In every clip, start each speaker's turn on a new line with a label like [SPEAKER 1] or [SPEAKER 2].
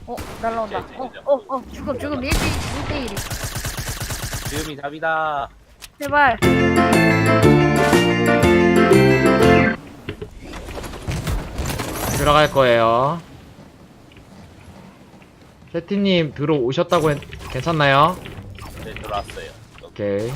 [SPEAKER 1] 날라온다. 죽음 1대1이.
[SPEAKER 2] 지금이 답이다.
[SPEAKER 1] 제발.
[SPEAKER 3] 들어갈 거예요. 세티님 들어오셨다고 괜찮나요?
[SPEAKER 2] 네, 들어왔어요.
[SPEAKER 3] 오케이.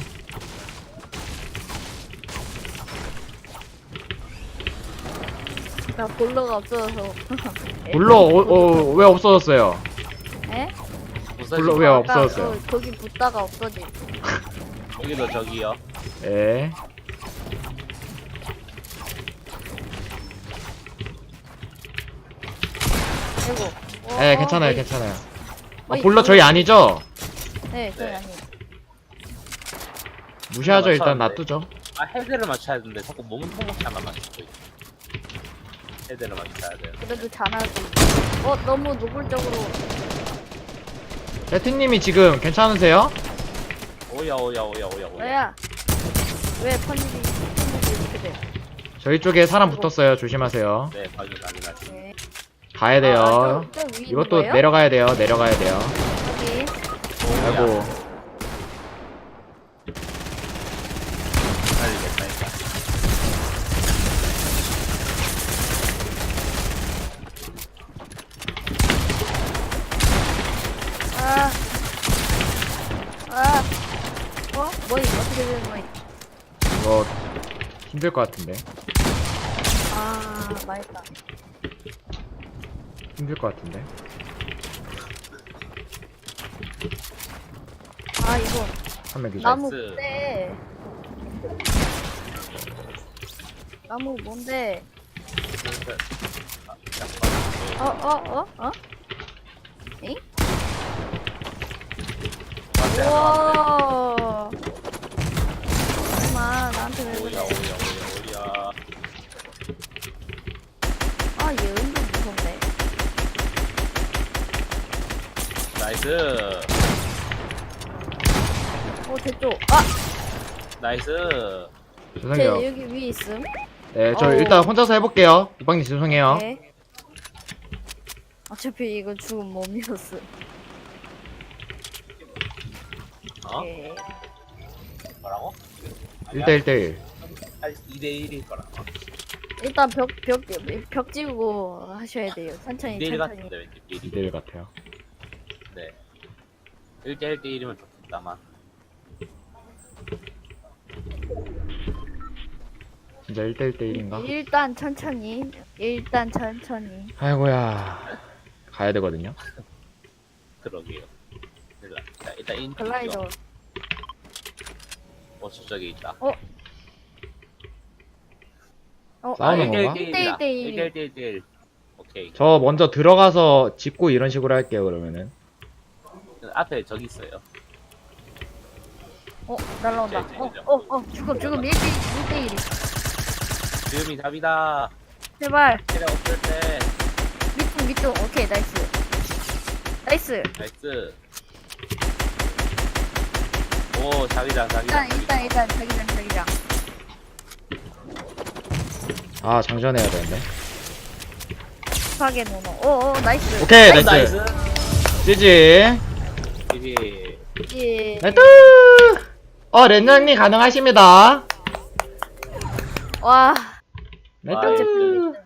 [SPEAKER 1] 나 볼러가 없어서.
[SPEAKER 3] 불러 왜 없어졌어요?
[SPEAKER 1] 에?
[SPEAKER 3] 불러 왜
[SPEAKER 1] 아까
[SPEAKER 3] 없어졌어요?
[SPEAKER 1] 거기 붙다가 없어지.
[SPEAKER 2] 여기도 저기요.
[SPEAKER 3] 예.
[SPEAKER 1] 아이고.
[SPEAKER 3] 예, 괜찮아요, 괜찮아요.
[SPEAKER 1] 어이,
[SPEAKER 3] 불러 저희 아니죠?
[SPEAKER 1] 네, 저희
[SPEAKER 2] 네.
[SPEAKER 1] 아니.
[SPEAKER 3] 무시하죠. 일단
[SPEAKER 2] 맞췄는데.
[SPEAKER 3] 놔두죠.
[SPEAKER 2] 아, 헤드를 맞춰야 되는데 자꾸 몸은 통곡하나 맞추고 있어. 헤드를 맞춰야 돼요.
[SPEAKER 1] 그래도 잘하지. 너무 노골적으로.
[SPEAKER 3] 세티님이 지금 괜찮으세요?
[SPEAKER 2] 오야.
[SPEAKER 1] 왜야? 왜 펀딩이 이렇게 돼?
[SPEAKER 3] 저희 쪽에 사람 붙었어요. 조심하세요.
[SPEAKER 2] 네, 확인하시.
[SPEAKER 1] 네.
[SPEAKER 3] 가야 돼요.
[SPEAKER 1] 저 위에 있는
[SPEAKER 3] 이것도
[SPEAKER 1] 거예요?
[SPEAKER 3] 내려가야 돼요. 내려가야 돼요.
[SPEAKER 1] 여기.
[SPEAKER 3] 아이고.
[SPEAKER 2] 살리겠다니까.
[SPEAKER 1] 아. 아. 뭐임? 어떻게 되는 거임?
[SPEAKER 3] 이거 힘들 것 같은데.
[SPEAKER 1] 아, 맛있다.
[SPEAKER 3] 힘들 것 같은데.
[SPEAKER 1] 아, 이거
[SPEAKER 3] 한 명 기절.
[SPEAKER 1] 나무
[SPEAKER 2] 나이스.
[SPEAKER 1] 뭔데? 나무 뭔데? 엥? 우와. 잠깐만, 나한테 왜 그래?
[SPEAKER 2] 오야.
[SPEAKER 1] 아, 얘 은근 무섭네.
[SPEAKER 2] 나이스.
[SPEAKER 1] 됐죠? 아!
[SPEAKER 2] 나이스.
[SPEAKER 1] 쟤
[SPEAKER 3] 죄송해요.
[SPEAKER 1] 여기 위에 있음.
[SPEAKER 3] 네, 저
[SPEAKER 1] 어우.
[SPEAKER 3] 일단 혼자서 해볼게요. 오빵님 죄송해요.
[SPEAKER 1] 네. 어차피 이거 죽은 몸이었어.
[SPEAKER 2] 어?
[SPEAKER 1] 네.
[SPEAKER 2] 뭐라고?
[SPEAKER 3] 1대1대1.
[SPEAKER 2] 2대1일 거라.
[SPEAKER 1] 일단 벽 지우고 하셔야 돼요. 천천히
[SPEAKER 2] 2대1
[SPEAKER 1] 천천히.
[SPEAKER 2] 같은데 왠지 미리.
[SPEAKER 3] 2대1 같아요.
[SPEAKER 2] 네. 1대1대1이면 좋겠다만.
[SPEAKER 3] 진짜 1대1대1인가?
[SPEAKER 1] 일단 천천히.
[SPEAKER 3] 아이고야. 가야 되거든요.
[SPEAKER 2] 그러게요. 자, 일단 인.
[SPEAKER 1] 글라이더.
[SPEAKER 2] 저쪽에 있다.
[SPEAKER 3] 싸우는 건가?
[SPEAKER 1] 1대1.
[SPEAKER 2] 1대1. 오케이.
[SPEAKER 3] 저 먼저 들어가서 짚고 이런 식으로 할게요, 그러면은.
[SPEAKER 2] 앞에 저기 있어요.
[SPEAKER 1] 날라온다. 죽음 1대1이.
[SPEAKER 2] 지금이 답이다.
[SPEAKER 1] 제발.
[SPEAKER 2] 때려 없을 때.
[SPEAKER 1] 밑둥. 오케이, 나이스.
[SPEAKER 2] 나이스. 오, 자기장.
[SPEAKER 1] 일단 자기장.
[SPEAKER 3] 아, 장전해야 되는데.
[SPEAKER 1] 급하게 노노. 나이스.
[SPEAKER 3] 오케이, 나이스. 지지.
[SPEAKER 2] 이게
[SPEAKER 1] 예.
[SPEAKER 3] 나이스. 렌장님 가능하십니다.
[SPEAKER 1] 와.
[SPEAKER 3] 나이스.